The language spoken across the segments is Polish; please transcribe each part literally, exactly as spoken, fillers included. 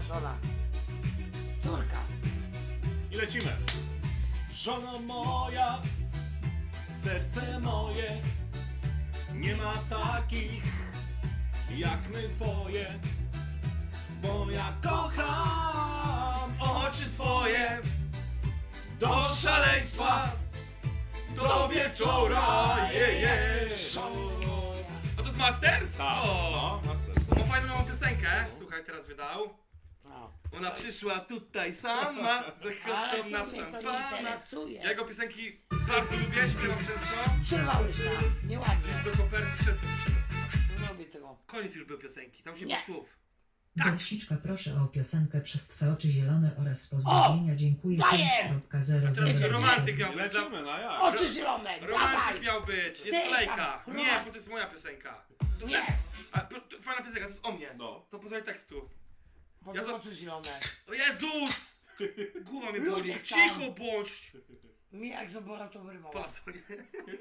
Żona. Córka. I lecimy. Żono moja, serce moje, nie ma takich jak my twoje, bo ja kocham oczy twoje do szaleństwa, do wieczora, je, je. A to jest Masters? Tak, O! no, Masters. Ma fajną nową piosenkę, słuchaj, teraz wydał. No. Ona przyszła tutaj sama, z Ale ochotą to na mnie to nie szampana. interesuje. Ja jego piosenki bardzo lubię, śpiewam często. Przerwałeś tam. Nieładnie. Do koperty często piszę. Nie robię tego. Koniec już był piosenki, tam już nie Nie. było słów. Tak. Dowsiczka, proszę o piosenkę przez Twe oczy zielone oraz pozdrowienia. Dziękuję. daję! A teraz romantyk miał być. Lecimy, no jak? Oczy zielone, Romantyk dawaj! miał być, jest Ty kolejka. tam, Nie, romantyk. bo to jest moja piosenka. To Nie. też- A, to, to, fajna piosenka, to jest o mnie. No. To pozwól tekstu. Potem Ja to- oczy zielone. O Jezus! Głowa mnie Ludzie boli. są. Cicho bądź! Mi jak zabolał to wyrwało. Po co nie?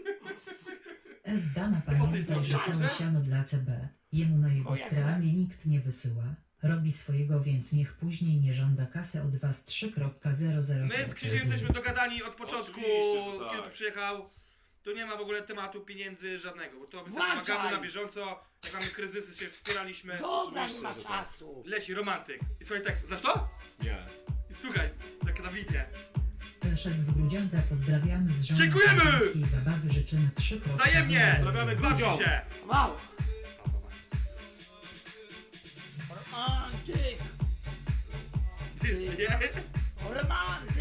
S. Dana To ty pamiętaj, że dobrze? całe siano dla C B. Jemu na jego O, jak stramie nikt nie wysyła. Robi swojego, więc niech później nie żąda kasy od was trzy zero zero. My z Krzyżem jesteśmy dogadani od początku, Oczywiście, że tak. kiedy tu przyjechał. Tu nie ma w ogóle tematu pieniędzy żadnego, bo to my sobie Włączaj! pomagamy na bieżąco, jak mamy kryzysy, się wspieraliśmy. Dobra, nie Oczywiście, ma że tak. czasu. Leci romantyk. I słuchaj tekstu. Znasz to? Nie. I słuchaj, tak na widnie. Leszek z Grudziądza, pozdrawiamy z żoną. Dziękujemy! Kaczyńskiej zabawy życzymy trzy Wzajemnie! Pozdrawiamy Bawcie Grudziądz. się! Wow. Romantyk, Ty, nie? romantyk.